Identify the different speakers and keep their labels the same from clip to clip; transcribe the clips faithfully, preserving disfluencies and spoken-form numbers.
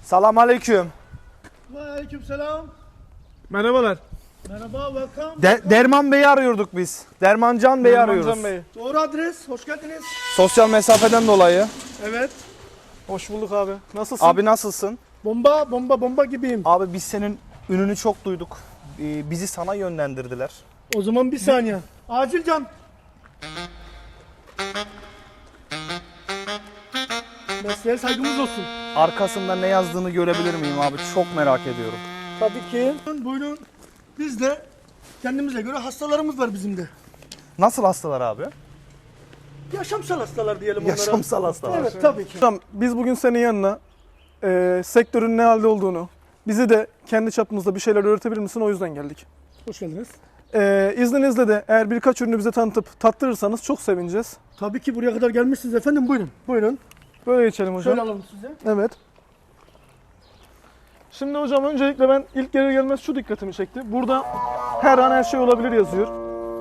Speaker 1: Selam aleyküm.
Speaker 2: Aleyküm selam.
Speaker 3: Merhabalar.
Speaker 2: Merhaba, welcome.
Speaker 1: De Derman Bey'i arıyorduk biz. Dermancan Bey'i
Speaker 3: Dermancan
Speaker 1: arıyoruz.
Speaker 3: Bey.
Speaker 2: Doğru adres, hoş geldiniz.
Speaker 1: Sosyal mesafeden dolayı.
Speaker 2: Evet.
Speaker 3: Hoş bulduk abi. Nasılsın?
Speaker 1: Abi nasılsın?
Speaker 2: Bomba, bomba, bomba gibiyim.
Speaker 1: Abi biz senin ününü çok duyduk. Ee, bizi sana yönlendirdiler.
Speaker 2: O zaman bir saniye. Acil can. Mesleğe saygımız olsun.
Speaker 1: Arkasında ne yazdığını görebilir miyim abi? Çok merak ediyorum.
Speaker 2: Tabii ki. Buyurun. Biz de kendimize göre hastalarımız var bizim de.
Speaker 1: Nasıl hastalar abi?
Speaker 2: Yaşamsal hastalar diyelim onlara.
Speaker 1: Yaşamsal hastalar.
Speaker 2: Evet, tabii ki.
Speaker 3: Hocam biz bugün senin yanına e, sektörün ne halde olduğunu, bizi de kendi çapımızda bir şeyler öğretebilir misin? O yüzden geldik.
Speaker 2: Hoş geldiniz.
Speaker 3: E, izninizle de eğer birkaç ürünü bize tanıtıp tattırırsanız çok sevineceğiz.
Speaker 2: Tabii ki buraya kadar gelmişsiniz efendim. Buyurun. Buyurun.
Speaker 3: Böyle geçelim hocam.
Speaker 2: Şöyle alalım size.
Speaker 3: Evet. Şimdi hocam öncelikle ben ilk gelir gelmez şu dikkatimi çekti. Burada her an her şey olabilir yazıyor.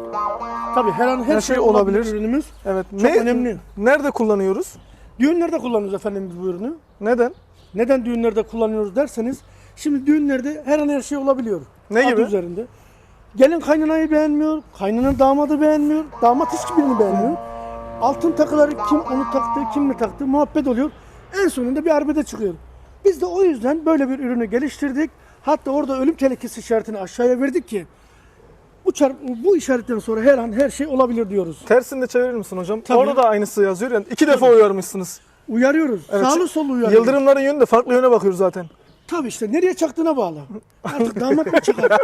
Speaker 2: Tabii her an her,
Speaker 3: Her
Speaker 2: şey,
Speaker 3: şey
Speaker 2: olabilir.
Speaker 3: olabilir.
Speaker 2: Ürünümüz.
Speaker 3: Evet.
Speaker 2: Çok önemli.
Speaker 3: Nerede kullanıyoruz?
Speaker 2: Düğünlerde kullanıyoruz efendim biz bu ürünü.
Speaker 3: Neden?
Speaker 2: Neden düğünlerde kullanıyoruz derseniz, şimdi düğünlerde her an her şey olabiliyor.
Speaker 3: Ne
Speaker 2: Adı
Speaker 3: gibi?
Speaker 2: üzerinde. Gelin kaynanayı beğenmiyor, kaynana damadı beğenmiyor, damat hiçbirini beğenmiyor. Altın takıları kim onu taktı, kim ne taktı muhabbet oluyor. En sonunda bir arbede çıkıyor. Biz de o yüzden böyle bir ürünü geliştirdik. Hatta orada ölüm tehlikesi işaretini aşağıya verdik ki bu, çar- bu işaretten sonra her an her şey olabilir diyoruz.
Speaker 3: Tersini de çevirir misin hocam?
Speaker 2: Tabii.
Speaker 3: Orada da aynısı yazıyor. Yani iki defa uyarmışsınız.
Speaker 2: Uyarıyoruz.
Speaker 3: Evet.
Speaker 2: Sağlı sollu uyarıyoruz.
Speaker 3: Yıldırımların yönü de farklı yöne bakıyor zaten.
Speaker 2: Tabii işte nereye çaktığına bağlı. Artık damat mı çakar?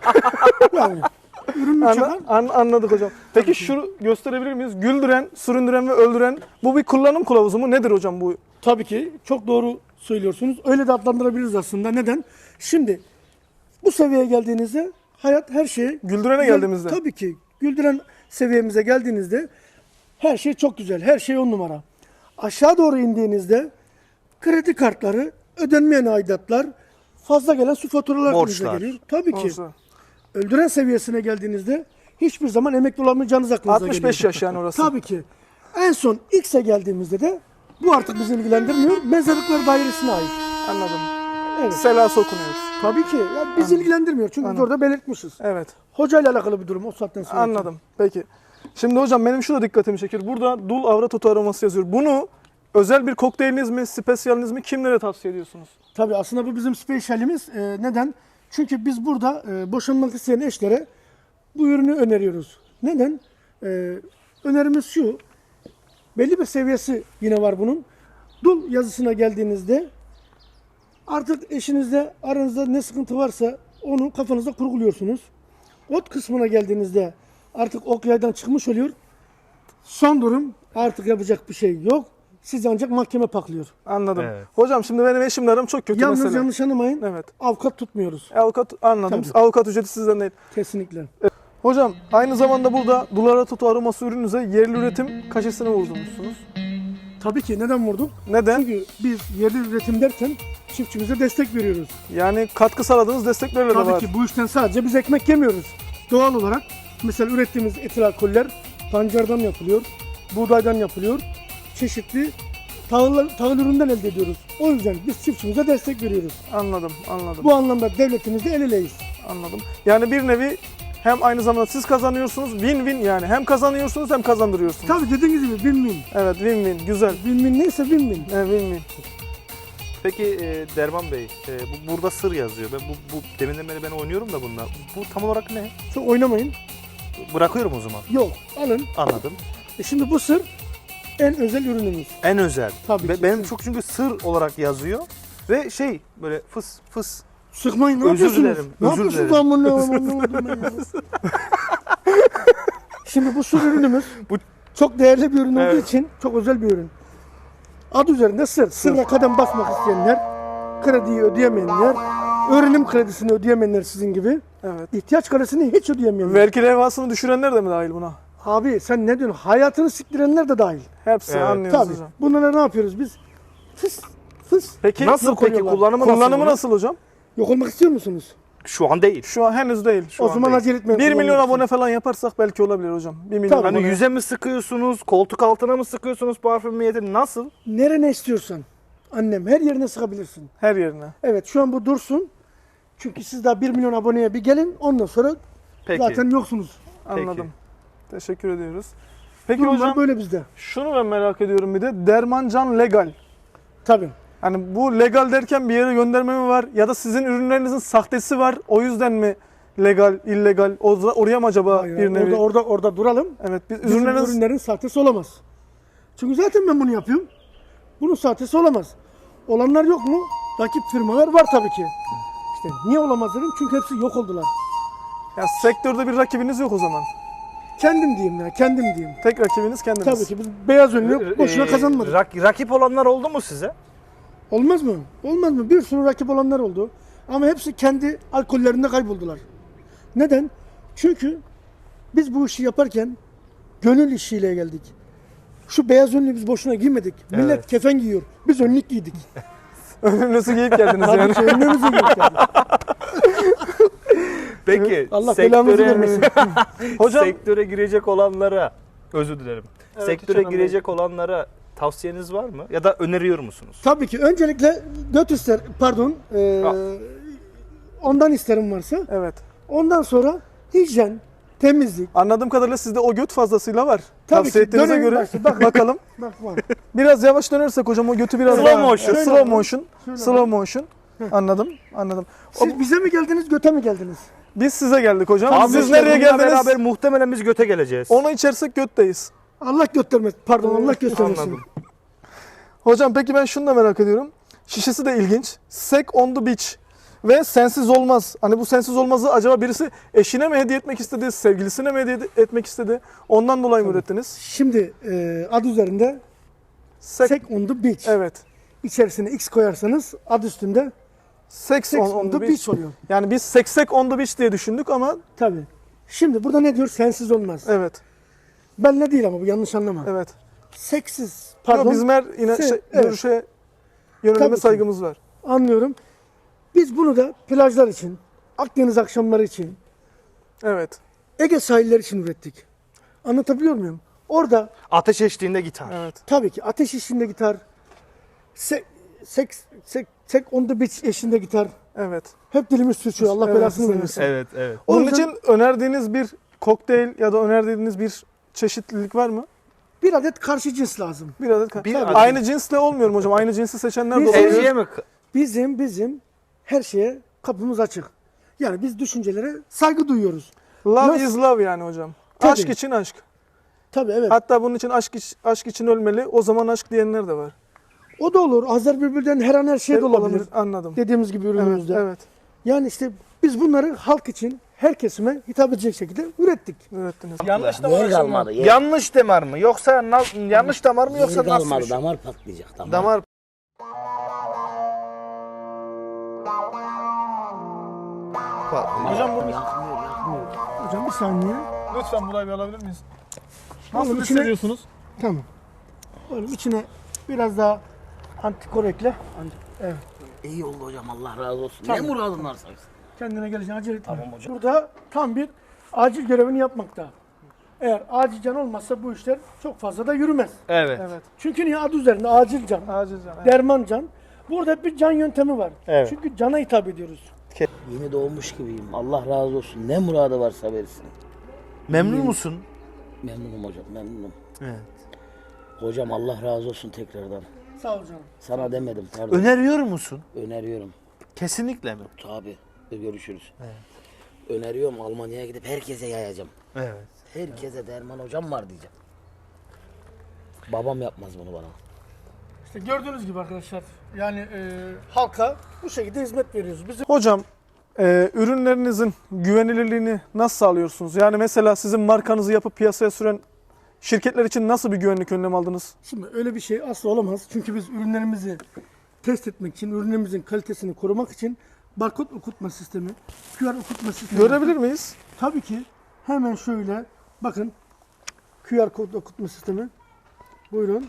Speaker 2: Yani ürün mü çakar?
Speaker 3: Anla- an- anladık hocam. Peki şunu gösterebilir miyiz? Güldüren, süründüren ve öldüren bu bir kullanım kılavuzu mu? Nedir hocam bu?
Speaker 2: Tabii ki çok doğru söylüyorsunuz. Öyle de adlandırabiliriz aslında. Neden? Şimdi bu seviyeye geldiğinizde hayat her şey...
Speaker 3: Güldürene geldiğimizde.
Speaker 2: Tabii ki. Güldüren seviyemize geldiğinizde her şey çok güzel. Her şey on numara. Aşağı doğru indiğinizde kredi kartları, ödenmeyen aidatlar, fazla gelen su faturalar
Speaker 1: Borçlar.
Speaker 2: önünüze geliyor. Tabii ki.
Speaker 3: Olsa.
Speaker 2: Öldüren seviyesine geldiğinizde hiçbir zaman emekli olamayacağınız aklınıza
Speaker 3: altmış
Speaker 2: geliyor.
Speaker 3: beş yaş yani orası.
Speaker 2: Tabii ki. En son X'e geldiğimizde de bu artık bizi ilgilendirmiyor. Mezarlıklar dairesine ait.
Speaker 3: Anladım.
Speaker 2: Evet.
Speaker 3: Selası okunuyoruz.
Speaker 2: Tabii ki. Yani bizi ilgilendirmiyor. Çünkü biz
Speaker 3: Anladım.
Speaker 2: orada belirtmişiz.
Speaker 3: Evet.
Speaker 2: Hocayla alakalı bir durum o saatten sonra.
Speaker 3: Anladım. Peki. Şimdi hocam benim şu da dikkatimi çekiyor. Burada dul avrat otu aroması yazıyor. Bunu özel bir kokteyliniz mi, spesiyaliniz mi, kimlere tavsiye ediyorsunuz?
Speaker 2: Tabii aslında bu bizim spesiyalimiz. Ee, neden? Çünkü biz burada e, boşanmak isteyen eşlere bu ürünü öneriyoruz. Neden? Ee, önerimiz şu. Belli bir seviyesi yine var bunun. Dul yazısına geldiğinizde artık eşinizle aranızda ne sıkıntı varsa onu kafanızda kurguluyorsunuz. Ot kısmına geldiğinizde artık ok yaydan çıkmış oluyor. Son durum artık yapacak bir şey yok. Siz ancak mahkeme paklıyor.
Speaker 3: Anladım.
Speaker 1: Evet.
Speaker 3: Hocam şimdi benim eşimle aram çok kötü
Speaker 2: Yalnız
Speaker 3: mesela.
Speaker 2: yanlış anlamayın.
Speaker 3: Evet.
Speaker 2: Avukat tutmuyoruz.
Speaker 3: Avukat anladım.
Speaker 2: Tabii.
Speaker 3: Avukat ücreti sizden değil.
Speaker 2: Kesinlikle.
Speaker 3: Hocam aynı zamanda burada dul avrat otu aroması ürününüze yerli üretim kaşesini vurdurmuşsunuz.
Speaker 2: Tabii ki neden vurduk?
Speaker 3: Neden?
Speaker 2: Çünkü biz yerli üretim derken çiftçimize destek veriyoruz.
Speaker 3: Yani katkı sağladığınız desteklerle de
Speaker 2: Tabii
Speaker 3: var.
Speaker 2: ki bu işten sadece biz ekmek yemiyoruz. Doğal olarak mesela ürettiğimiz etil alkoller pancardan yapılıyor, buğdaydan yapılıyor. Çeşitli tahıl, tahıl üründen elde ediyoruz. O yüzden biz çiftçimize destek veriyoruz.
Speaker 3: Anladım, anladım.
Speaker 2: Bu anlamda devletimizle el eleyiz.
Speaker 3: Anladım. Yani bir nevi hem aynı zamanda siz kazanıyorsunuz, win-win yani. Hem kazanıyorsunuz hem kazandırıyorsunuz.
Speaker 2: Tabii dediğiniz gibi win-win.
Speaker 3: Evet, win-win. Güzel.
Speaker 2: Win-win neyse win-win.
Speaker 3: Evet, win-win.
Speaker 1: Peki e, Derman Bey, e, bu burada sır yazıyor. Ben bu, bu deminden beri ben oynuyorum da bununla. Bu tam olarak ne?
Speaker 2: Çok oynamayın.
Speaker 1: Bırakıyorum o zaman.
Speaker 2: Yok alın.
Speaker 1: Anladım.
Speaker 2: E şimdi bu sır en özel ürünümüz.
Speaker 1: En özel.
Speaker 2: Tabii
Speaker 1: Be-
Speaker 2: ki.
Speaker 1: benim çok çünkü sır olarak yazıyor ve şey böyle fıs fıs.
Speaker 2: Sıkmayın ne
Speaker 1: Özür
Speaker 2: yapıyorsunuz?
Speaker 1: dilerim,
Speaker 2: Ne
Speaker 1: özür
Speaker 2: yapıyorsunuz
Speaker 1: dilerim.
Speaker 2: amına amına ya? Şimdi bu sır ürünümüz
Speaker 1: Bu-
Speaker 2: çok değerli bir ürün olduğu
Speaker 1: Evet.
Speaker 2: için çok özel bir ürün. Adı üzerinde sır. Sırla kadem basmak isteyenler, krediyi ödeyemeyenler, öğrenim kredisini ödeyemeyenler sizin gibi,
Speaker 3: Evet.
Speaker 2: ihtiyaç kredisini hiç ödeyemeyenler.
Speaker 3: Vergi levhasını düşürenler de mi dahil buna?
Speaker 2: Abi sen ne diyorsun? Hayatını siktirenler de dahil.
Speaker 3: Hepsi
Speaker 1: Evet.
Speaker 3: anlıyoruz
Speaker 2: Tabii.
Speaker 3: hocam.
Speaker 2: Bunlara ne yapıyoruz biz? Fıs fıs.
Speaker 3: Peki
Speaker 1: Nasıl
Speaker 2: yok
Speaker 1: peki
Speaker 2: oluyorlar.
Speaker 1: kullanımı,
Speaker 3: kullanımı
Speaker 1: nasıl?
Speaker 3: nasıl hocam?
Speaker 2: Yok olmak istiyor musunuz?
Speaker 1: Şu an değil.
Speaker 3: Şu an henüz değil. Şu
Speaker 2: o
Speaker 3: an
Speaker 2: zaman
Speaker 3: değil.
Speaker 2: acele etmeyin.
Speaker 3: bir milyon
Speaker 2: kullanmak
Speaker 3: abone
Speaker 2: için.
Speaker 3: falan yaparsak belki olabilir hocam. bir milyon
Speaker 2: Tabii.
Speaker 1: Hani
Speaker 3: abone.
Speaker 1: yüze mi sıkıyorsunuz, koltuk altına mı sıkıyorsunuz parfüm niyeti nasıl?
Speaker 2: Nerene istiyorsan. Annem her yerine sıkabilirsin.
Speaker 3: Her yerine.
Speaker 2: Evet şu an bu dursun. Çünkü siz daha bir milyon aboneye bir gelin. Ondan sonra
Speaker 1: Peki.
Speaker 2: zaten yoksunuz.
Speaker 3: Anladım. Teşekkür ediyoruz. Peki
Speaker 2: Durumlar
Speaker 3: hocam
Speaker 2: böyle bizde.
Speaker 3: şunu ben merak ediyorum bir de. Dermancan legal.
Speaker 2: Tabii.
Speaker 3: Hani bu legal derken bir yere gönderme mi var? Ya da sizin ürünlerinizin sahtesi var. O yüzden mi legal, illegal? O- Oraya mı acaba
Speaker 2: Hayır,
Speaker 3: bir nevi?
Speaker 2: orada, orada, orada duralım.
Speaker 3: Evet. Biz
Speaker 2: Bizim
Speaker 3: ürünleriniz...
Speaker 2: ürünlerin sahtesi olamaz. Çünkü zaten ben bunu yapıyorum. Bunun sahtesi olamaz. Olanlar yok mu? Rakip firmalar var tabii ki. İşte niye olamaz dedim? Çünkü hepsi yok oldular.
Speaker 3: Ya sektörde bir rakibiniz yok o zaman.
Speaker 2: Kendim diyeyim ya, kendim diyeyim.
Speaker 3: Tek rakibiniz kendiniz.
Speaker 2: Tabii ki biz beyaz önlü boşuna
Speaker 1: Ee,
Speaker 2: kazanmadık.
Speaker 1: rak- rakip olanlar oldu mu size?
Speaker 2: Olmaz mı? Olmaz mı? Bir sürü rakip olanlar oldu. Ama hepsi kendi alkollerinde kayboldular. Neden? Çünkü biz bu işi yaparken gönül işiyle geldik. Şu beyaz önlüğü biz boşuna giymedik. Millet
Speaker 1: Evet.
Speaker 2: kefen giyiyor. Biz önlük giydik.
Speaker 3: Önünüzü giyip geldiniz yani.
Speaker 2: Tabii ki önlüğümüzü giydik yani.
Speaker 1: Peki
Speaker 2: Allah belamızı
Speaker 1: sektöre,
Speaker 2: vermesin.
Speaker 3: Hocam
Speaker 1: sektöre girecek olanlara, özür dilerim.
Speaker 3: Evet,
Speaker 1: sektöre
Speaker 3: hiç önemli
Speaker 1: girecek olanlara tavsiyeniz var mı? Ya da öneriyor musunuz?
Speaker 2: Tabii ki. Öncelikle göt ister, pardon, eee,
Speaker 1: Ha.
Speaker 2: ondan isterim varsa.
Speaker 3: evet.
Speaker 2: Ondan sonra hijyen, temizlik.
Speaker 3: Anladığım kadarıyla sizde o göt fazlasıyla var.
Speaker 2: Tabii
Speaker 3: Tavsiye
Speaker 2: ki.
Speaker 3: ettiğinize
Speaker 2: Dönelim
Speaker 3: göre
Speaker 2: başta, bakın.
Speaker 3: bakalım.
Speaker 2: Bak var.
Speaker 3: Biraz yavaş dönersek hocam o götü biraz
Speaker 1: Slow
Speaker 3: daha...
Speaker 1: motion.
Speaker 3: Evet,
Speaker 2: Şöyle
Speaker 3: slow
Speaker 2: bak.
Speaker 3: motion.
Speaker 2: Şöyle
Speaker 3: Slow
Speaker 2: bak.
Speaker 3: motion. Anladım. Anladım. O-
Speaker 2: Siz bize mi geldiniz, göte mi geldiniz?
Speaker 3: Biz size geldik hocam.
Speaker 1: Abi
Speaker 3: Siz
Speaker 1: işte
Speaker 3: nereye
Speaker 1: bununla
Speaker 3: geldiniz?
Speaker 1: beraber muhtemelen biz göte geleceğiz.
Speaker 3: Onu içersek götteyiz.
Speaker 2: Allah göstermesin. Pardon, Allah göstermesin.
Speaker 1: Anladım.
Speaker 3: Hocam peki ben şunu da merak ediyorum. Şişesi de ilginç. Sek on the beach. Ve sensiz olmaz. Hani bu sensiz olmazı acaba birisi eşine mi hediye etmek istedi, sevgilisine mi hediye etmek istedi? Ondan dolayı mı ürettiniz?
Speaker 2: Şimdi eee ad üzerinde
Speaker 3: Sek,
Speaker 2: Sek on the beach.
Speaker 3: Evet.
Speaker 2: İçerisine X koyarsanız ad üstünde
Speaker 3: Sex
Speaker 2: Sex
Speaker 3: on, on the beach.
Speaker 2: beach oluyor.
Speaker 3: Yani biz seksek on the beach diye düşündük ama
Speaker 2: Tabii. Şimdi burada ne diyor? Sensiz olmaz.
Speaker 3: evet.
Speaker 2: Ben ne değil ama bu yanlış anlama.
Speaker 3: Evet.
Speaker 2: Seksiz.
Speaker 3: Pardon.
Speaker 2: Pardon.
Speaker 3: Bizim her yine
Speaker 2: Se-
Speaker 3: şey,
Speaker 2: evet.
Speaker 3: görüşe yönelime
Speaker 2: Tabii ki.
Speaker 3: saygımız var.
Speaker 2: Anlıyorum. Biz bunu da plajlar için, Akdeniz akşamları için,
Speaker 3: Evet.
Speaker 2: Ege sahilleri için ürettik. Anlatabiliyor muyum? Orada
Speaker 1: Ateş eşliğinde gitar.
Speaker 3: Evet.
Speaker 2: tabii ki ateş eşliğinde gitar, sek, sek, sek, sek on the beach eşliğinde gitar.
Speaker 3: Evet.
Speaker 2: Hep dilimiz sürçüyor. Allah
Speaker 3: Evet,
Speaker 2: belasını
Speaker 3: evet.
Speaker 2: vermesin.
Speaker 1: Evet, evet.
Speaker 2: O
Speaker 3: Onun
Speaker 2: yüzden
Speaker 3: için önerdiğiniz bir kokteyl ya da önerdiğiniz bir çeşitlilik var mı?
Speaker 2: bir adet karşı cins lazım.
Speaker 3: Bir adet.
Speaker 1: Bir
Speaker 3: Tabii.
Speaker 1: adet.
Speaker 3: Aynı cinsle olmuyor mu hocam? Aynı cinsi seçenler de
Speaker 2: Biz-
Speaker 3: olabilir.
Speaker 1: Tercihe mi?
Speaker 2: Bizim bizim her şeye kapımız açık. Yani biz düşüncelere saygı duyuyoruz.
Speaker 3: Love
Speaker 2: Nasıl?
Speaker 3: is love yani hocam.
Speaker 2: Tabii.
Speaker 3: Aşk için aşk.
Speaker 2: Tabii evet.
Speaker 3: Hatta bunun için aşk, iç- aşk için ölmeli. O zaman aşk diyenler de var.
Speaker 2: O da olur. Azer Bülbül'den her an her şey de
Speaker 3: Hep
Speaker 2: olabilir.
Speaker 3: Anladım.
Speaker 2: Dediğimiz gibi
Speaker 3: Evet,
Speaker 2: ürünümüzde.
Speaker 3: evet.
Speaker 2: Yani işte biz bunları halk için, her kesime hitap edecek şekilde ürettik.
Speaker 3: Ürettiniz.
Speaker 1: Yanlış
Speaker 4: Yer kalmadı. Yer,
Speaker 1: Yanlış damar mı? Yoksa na- yanlış damar mı
Speaker 4: yer
Speaker 1: yoksa nasıl?
Speaker 4: kalmadı.
Speaker 1: bir şey?
Speaker 4: Damar patlayacak. Damar.
Speaker 1: Damar.
Speaker 3: Hocam bu
Speaker 4: Yakmıyor, yakmıyor.
Speaker 2: Hocam bir saniye.
Speaker 3: lütfen burayı bir alabilir miyiz?
Speaker 2: Nasıl
Speaker 3: Nasıl
Speaker 2: içine-
Speaker 3: hissediyorsunuz?
Speaker 2: Tamam. Oğlum içine biraz daha antikor ekle. Evet.
Speaker 4: İyi oldu hocam. Allah razı olsun.
Speaker 2: Tamam.
Speaker 4: Ne muradın varsa.
Speaker 2: Kendine geleceğin acele etme.
Speaker 4: Tamam hocam.
Speaker 2: Burada tam bir acil görevini yapmakta. Eğer acil can olmazsa bu işler çok fazla da yürümez.
Speaker 1: Evet.
Speaker 3: Evet.
Speaker 2: Çünkü niye adı üzerinde acil can,
Speaker 3: Acil can. Evet.
Speaker 2: derman can. Burada hep bir can yöntemi var.
Speaker 1: Evet.
Speaker 2: Çünkü cana hitap ediyoruz.
Speaker 4: Yeni doğmuş gibiyim. Allah razı olsun. Ne muradı varsa versin.
Speaker 1: Memnun musun?
Speaker 4: Memnunum hocam. Memnunum.
Speaker 1: Evet.
Speaker 4: Hocam Allah razı olsun tekrardan.
Speaker 2: Sağ ol canım.
Speaker 4: Sana demedim. Pardon.
Speaker 1: Öneriyor musun?
Speaker 4: Öneriyorum.
Speaker 1: Kesinlikle mi?
Speaker 4: Tabii. Görüşürüz. Öneriyorum. Almanya'ya gidip herkese yayacağım.
Speaker 1: Evet.
Speaker 4: Herkese Derman hocam var diyeceğim. Babam yapmaz bunu bana.
Speaker 2: İşte gördüğünüz gibi arkadaşlar yani e, halka bu şekilde hizmet veriyoruz. Bizim
Speaker 3: Hocam e, ürünlerinizin güvenilirliğini nasıl sağlıyorsunuz? Yani mesela sizin markanızı yapıp piyasaya süren şirketler için nasıl bir güvenlik önlemi aldınız?
Speaker 2: Şimdi öyle bir şey asla olamaz. Çünkü biz ürünlerimizi test etmek için, ürünlerimizin kalitesini korumak için barkod okutma sistemi, Q R okutma sistemi.
Speaker 3: Görebilir miyiz?
Speaker 2: Tabii ki. Hemen şöyle bakın. Q R kod okutma sistemi. Buyurun.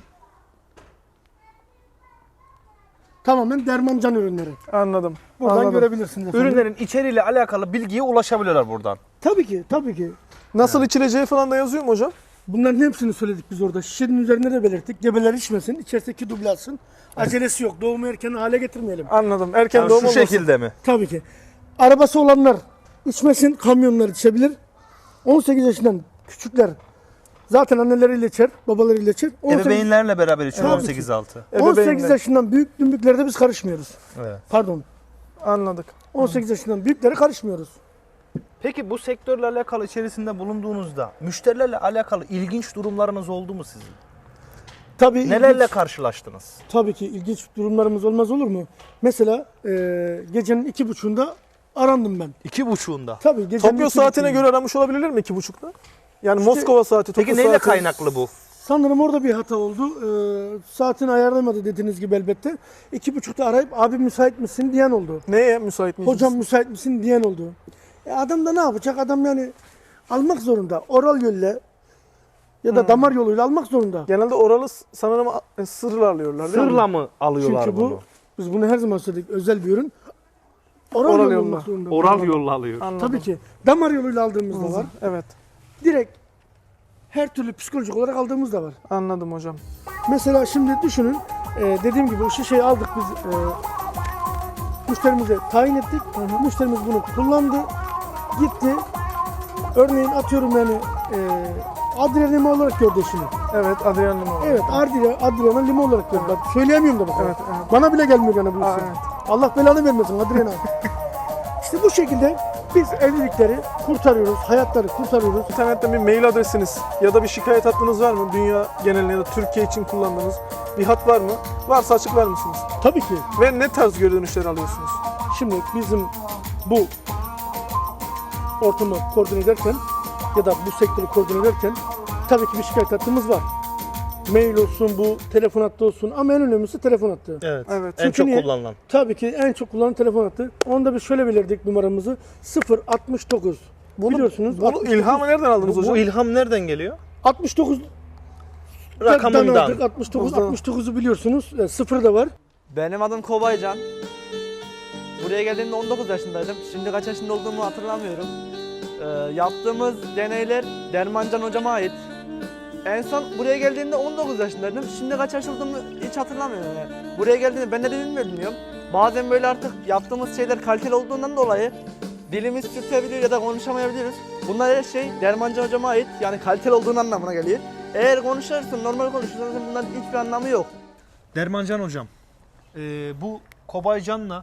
Speaker 2: Tamamen derman can ürünleri.
Speaker 3: Anladım.
Speaker 2: Buradan
Speaker 3: Anladım.
Speaker 2: görebilirsiniz efendim.
Speaker 1: Ürünlerin içeriğiyle alakalı bilgiye ulaşabiliyorlar buradan.
Speaker 2: Tabii ki, tabii ki.
Speaker 3: Nasıl içileceği falan da yazıyor mu hocam?
Speaker 2: Bunların hepsini söyledik biz orada. Şişenin üzerinde de belirttik. Gebeler içmesin, içerisindeki duble alsın. Acelesi yok. Doğumu erken hale getirmeyelim.
Speaker 3: Anladım. Erken
Speaker 1: Yani
Speaker 3: doğum
Speaker 1: şu
Speaker 3: olmasın.
Speaker 1: şekilde mi?
Speaker 2: Tabii ki. Arabası olanlar içmesin, kamyonlar içebilir. on sekiz yaşından küçükler zaten anneleriyle içer, babalarıyla içer. on sekiz,
Speaker 1: Ebeveynlerle beraber içiyor
Speaker 2: Tabii
Speaker 1: on sekiz altı.
Speaker 2: on sekiz
Speaker 3: Ebeveynler.
Speaker 2: yaşından büyük dümbüklerde biz karışmıyoruz.
Speaker 1: Evet.
Speaker 2: Pardon.
Speaker 3: Anladık.
Speaker 2: on sekiz yaşından büyüklere karışmıyoruz.
Speaker 1: Peki bu sektörle alakalı içerisinde bulunduğunuzda müşterilerle alakalı ilginç durumlarınız oldu mu sizin?
Speaker 2: Tabii
Speaker 1: Nelerle
Speaker 2: ilginç-
Speaker 1: karşılaştınız?
Speaker 2: Tabii ki ilginç durumlarımız olmaz olur mu? Mesela e, gecenin iki buçuğunda arandım ben.
Speaker 1: İki buçuğunda.
Speaker 2: Tabii gecenin
Speaker 3: Tokyo
Speaker 2: iki
Speaker 3: saatine
Speaker 2: buçuğunda.
Speaker 3: göre aramış olabilirler mi iki buçukta? Yani Moskova saati, Tokyo
Speaker 1: Peki neyle
Speaker 3: saati.
Speaker 1: kaynaklı bu?
Speaker 2: Sanırım orada bir hata oldu. Ee, saatini ayarlamadı dediğiniz gibi elbette. İki buçukta arayıp abi müsait misin diyen oldu.
Speaker 3: Neye müsait miyiz?
Speaker 2: Hocam müsait misin diyen oldu. E adam da ne yapacak? Adam yani almak zorunda. Oral yolla ya da damar yoluyla almak zorunda.
Speaker 3: Genelde oralı s- sanırım a- sırla alıyorlar değil mi?
Speaker 1: Sırla mı alıyorlar
Speaker 2: Çünkü
Speaker 1: bunu?
Speaker 2: bu, biz bunu her zaman söyledik, özel bir ürün. Oral,
Speaker 3: Oral
Speaker 2: yolla
Speaker 3: yolla.
Speaker 2: almak zorunda.
Speaker 1: Oral yolla alıyor.
Speaker 3: Anladım.
Speaker 2: Tabii ki. Damar yoluyla aldığımız da var.
Speaker 3: Evet.
Speaker 2: Direkt her türlü psikolojik olarak aldığımız da var.
Speaker 3: Anladım hocam.
Speaker 2: Mesela şimdi düşünün, e, dediğim gibi o şişeyi aldık biz, e, müşterimize tayin ettik. Müşterimiz bunu kullandı, gitti. Örneğin atıyorum yani e, Adriana Lima olarak gördü eşini.
Speaker 3: Evet, Adrian Lima.
Speaker 2: Evet, Adriana, Adriana Lima olarak gördü. Bak, söyleyemiyorum da bak.
Speaker 3: Evet, evet.
Speaker 2: Bana bile gelmiyor yani bu
Speaker 3: Aa,
Speaker 2: isim.
Speaker 3: evet.
Speaker 2: Allah belanı vermesin Adriana. İşte bu şekilde biz evlilikleri kurtarıyoruz, hayatları kurtarıyoruz.
Speaker 3: İnternetten bir mail adresiniz ya da bir şikayet hattınız var mı? Dünya genelinde ya da Türkiye için kullandığınız bir hat var mı? Varsa açıklar mısınız?
Speaker 2: Tabii ki.
Speaker 3: Ve ne tarz geri dönüşler alıyorsunuz?
Speaker 2: Şimdi bizim bu ortamı koordine ederken ya da bu sektörü koordine ederken tabii ki bir şikayet hattımız var. Mail olsun, bu telefon hattı olsun ama en önemlisi telefon hattı.
Speaker 1: Evet.
Speaker 3: Evet.
Speaker 1: En
Speaker 2: Çünkü
Speaker 1: çok
Speaker 2: niye?
Speaker 1: kullanılan.
Speaker 2: Tabii ki en çok kullanılan telefon hattı. Onda biz şöyle belirledik numaramızı. sıfır altmış dokuz. Biliyorsunuz.
Speaker 3: Bunu ilhamı nereden aldınız
Speaker 1: Bu,
Speaker 3: hocam?
Speaker 1: bu ilham nereden geliyor?
Speaker 2: altmış dokuz
Speaker 1: Rakamından.
Speaker 2: aldık. altmış dokuz
Speaker 3: Buradan.
Speaker 2: altmış dokuzu biliyorsunuz. E, sıfır da var.
Speaker 5: Benim adım Kobaycan. Buraya geldiğimde on dokuz yaşındaydım. Şimdi kaç yaşında olduğumu hatırlamıyorum. Ee, yaptığımız deneyler Dermancan hocama ait. En son buraya geldiğimde on dokuz yaşındaydım. Şimdi kaç yaş olduğumu hiç hatırlamıyorum yani. Buraya geldiğimde ben ne dediğimi bilmiyorum. Bazen böyle artık yaptığımız şeyler kaliteli olduğundan dolayı dilimiz sürtebiliyor ya da konuşamayabiliyoruz. Bunlar her şey Dermancan hocama ait. Yani kaliteli olduğun anlamına geliyor. Eğer konuşursan, normal konuşursan bunların hiçbir anlamı yok.
Speaker 1: Dermancan hocam, e, bu Kobaycan'la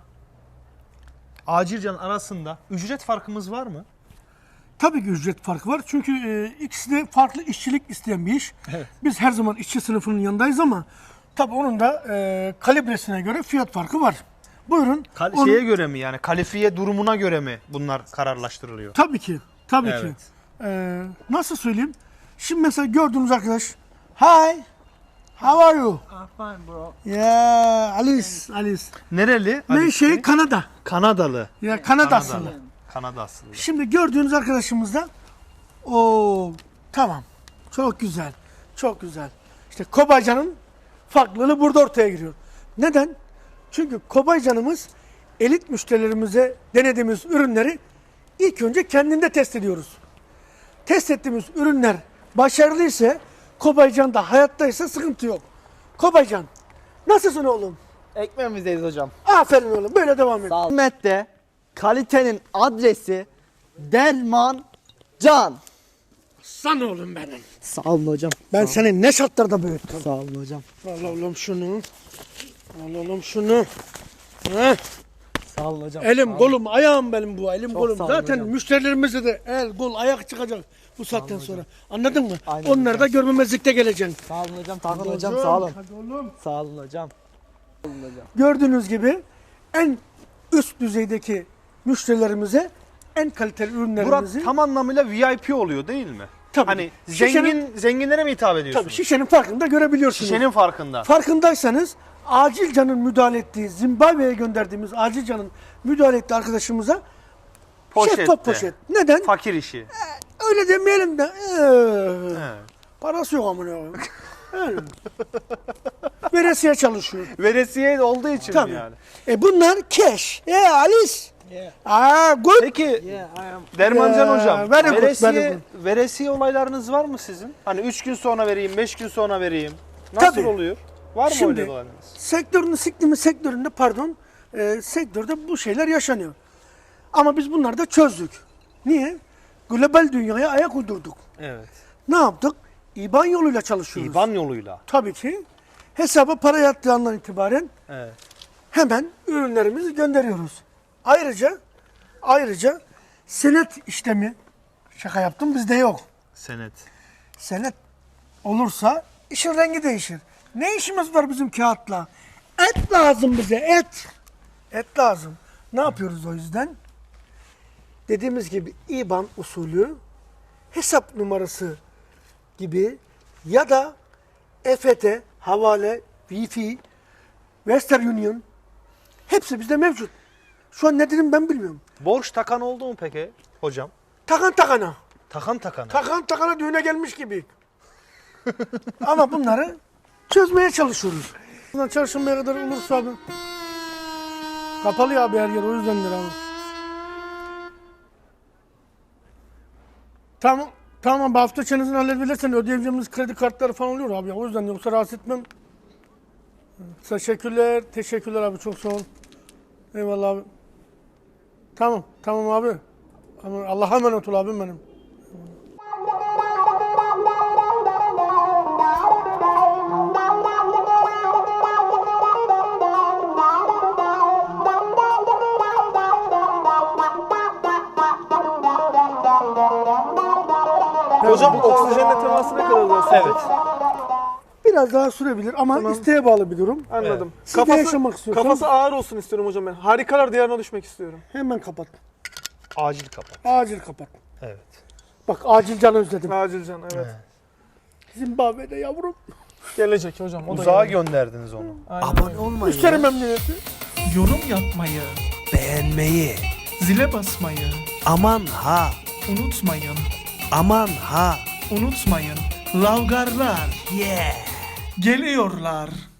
Speaker 1: Acilcan arasında ücret farkımız var mı?
Speaker 2: Tabii ki ücret farkı var. Çünkü e, ikisi de farklı işçilik isteyen bir iş.
Speaker 1: Evet.
Speaker 2: Biz her zaman işçi sınıfının yanındayız ama tabii onun da e, kalibresine göre fiyat farkı var. Buyurun.
Speaker 1: Kal-
Speaker 2: Onun-
Speaker 1: şeye göre mi yani kalifiye durumuna göre mi bunlar kararlaştırılıyor?
Speaker 2: Tabii ki. Tabii
Speaker 1: Evet.
Speaker 2: ki. E, nasıl söyleyeyim? Şimdi mesela gördüğünüz arkadaş. Hi. How are you?
Speaker 5: I'm fine bro.
Speaker 2: Yeah, Alice, Alice.
Speaker 1: Nereli?
Speaker 2: Ben
Speaker 1: Ali
Speaker 2: şey
Speaker 1: Bey?
Speaker 2: Kanada.
Speaker 1: Kanadalı.
Speaker 2: Ya Kanada aslında.
Speaker 1: Kanadalı. Kanada aslında.
Speaker 2: Şimdi gördüğünüz arkadaşımız da o tamam. Çok güzel. Çok güzel. İşte Kobaycan'ın farklılığı burada ortaya giriyor. Neden? Çünkü Kobaycan'ımız elit müşterilerimize denediğimiz ürünleri ilk önce kendinde test ediyoruz. Test ettiğimiz ürünler başarılıysa Kobaycan da hayattaysa sıkıntı yok. Kobaycan nasılsın oğlum?
Speaker 5: Ekmeğimizdeyiz hocam.
Speaker 2: Aferin oğlum böyle devam et.
Speaker 5: Sağ ol. Hizmette kalitenin adresi Derman Can.
Speaker 2: San oğlum benim.
Speaker 5: Sağ olun hocam.
Speaker 2: Ben seni ne şartlarda büyüttüm.
Speaker 5: Sağ olun hocam.
Speaker 2: Al oğlum şunu. Al oğlum şunu. Heh.
Speaker 5: Sağ olun hocam.
Speaker 2: Elim kolum ayağım benim bu elim
Speaker 5: Çok
Speaker 2: kolum.
Speaker 5: sağ olun
Speaker 2: Zaten
Speaker 5: hocam.
Speaker 2: müşterilerimize de el kol ayak çıkacak bu saatten sonra. Anladın mı?
Speaker 5: Aynen
Speaker 2: Onları da görmemezlikte geleceksin.
Speaker 5: Sağ olun hocam. Takın
Speaker 2: Hadi
Speaker 5: hocam.
Speaker 2: oğlum,
Speaker 5: Sağ olun.
Speaker 2: Hadi oğlum.
Speaker 5: Sağ olun hocam.
Speaker 2: Gördüğünüz gibi en üst düzeydeki müşterilerimize en kaliteli ürünlerimizi
Speaker 1: Burak tam anlamıyla V I P oluyor değil mi?
Speaker 2: Tabii.
Speaker 1: Hani
Speaker 2: Şişenin-
Speaker 1: zengin zenginlere mi hitap ediyorsunuz?
Speaker 2: tabii şişenin farkında görebiliyorsunuz.
Speaker 1: Şişenin farkında.
Speaker 2: Farkındaysanız Acilcan'ın müdahale ettiği, Zimbabwe'ye gönderdiğimiz Acilcan'ın müdahale ettiği arkadaşımıza
Speaker 1: Poşette.
Speaker 2: şeffaf poşet. Neden?
Speaker 1: Fakir işi.
Speaker 2: Öyle demeyelim de. ee,
Speaker 1: Evet.
Speaker 2: Parası yok amına koyayım. Yani. Veresiye çalışıyor.
Speaker 1: Veresiye olduğu için
Speaker 2: Tabii.
Speaker 1: mi yani?
Speaker 2: E bunlar cash. E Alice. Aa good.
Speaker 1: Peki Dermancan
Speaker 2: Ya,
Speaker 1: hocam,
Speaker 2: very good,
Speaker 1: veresiye,
Speaker 2: very
Speaker 1: veresiye olaylarınız var mı sizin? Hani üç gün sonra vereyim, beş gün sonra vereyim. Nasıl
Speaker 2: Tabii.
Speaker 1: oluyor? Var mı
Speaker 2: Şimdi-
Speaker 1: öyle olaylarınız?
Speaker 2: Sektörünün, siklimi sektöründe pardon, e, sektörde bu şeyler yaşanıyor. Ama biz bunları da çözdük. Niye? Global dünyaya ayak uydurduk.
Speaker 1: Evet.
Speaker 2: Ne yaptık? İban yoluyla çalışıyoruz.
Speaker 1: İban yoluyla.
Speaker 2: Tabii ki. Hesaba para yattığı andan itibaren
Speaker 1: Evet.
Speaker 2: hemen ürünlerimizi gönderiyoruz. Ayrıca ayrıca senet işlemi, şaka yaptım, bizde yok.
Speaker 1: Senet.
Speaker 2: Senet olursa işin rengi değişir. Ne işimiz var bizim kağıtla? Et lazım bize, et. Et lazım. Ne yapıyoruz o yüzden? Dediğimiz gibi İban usulü, hesap numarası gibi ya da E F T, havale, Wi-Fi, Western Union hepsi bizde mevcut. Şu an ne dedim ben bilmiyorum.
Speaker 1: Borç takan oldu mu peki hocam?
Speaker 2: Takan takana.
Speaker 1: Takan takana.
Speaker 2: Takan takana düğüne gelmiş gibi. Ama bunları çözmeye çalışıyoruz. Bundan çarşambaya kadar olursa abi. Kapalı ya abi her yer, o yüzdendir abi. Tamam. Tamam, bu hafta çenizini halledebilirsen ödeyebileceğimiz kredi kartları falan oluyor abi ya. O yüzden, yoksa rahatsız etmem. Teşekkürler. Teşekkürler abi, çok sağ ol. Eyvallah abi. Tamam. Tamam abi. Ama Allah'a emanet ol abim benim.
Speaker 3: Hocam oksijenle teması ne kadar daha sürecek?
Speaker 1: Evet.
Speaker 2: Biraz daha sürebilir ama
Speaker 3: Tamam.
Speaker 2: isteğe bağlı bir durum.
Speaker 3: Anladım.
Speaker 2: Siz de yaşamak istiyorsan-
Speaker 3: Kafası ağır olsun istiyorum hocam ben. Harikalar diyarına düşmek istiyorum.
Speaker 2: Hemen kapat.
Speaker 1: Acil kapat.
Speaker 2: Acil kapat.
Speaker 1: Evet.
Speaker 2: Bak, acil can özledim.
Speaker 3: Acil can, evet.
Speaker 2: Zimbabwe'de yavrum.
Speaker 3: Gelecek hocam. O da
Speaker 1: Uzağa
Speaker 3: gelecek.
Speaker 1: gönderdiniz onu.
Speaker 3: Aynen
Speaker 4: Abone
Speaker 3: öyle.
Speaker 4: olmayı,
Speaker 2: Üstelik memnuniyeti.
Speaker 6: Yorum yapmayı,
Speaker 4: beğenmeyi,
Speaker 6: zile basmayı
Speaker 4: aman ha,
Speaker 6: unutmayın.
Speaker 4: aman ha,
Speaker 6: Unutmayın. Lavgarlar
Speaker 4: yeah.
Speaker 6: geliyorlar.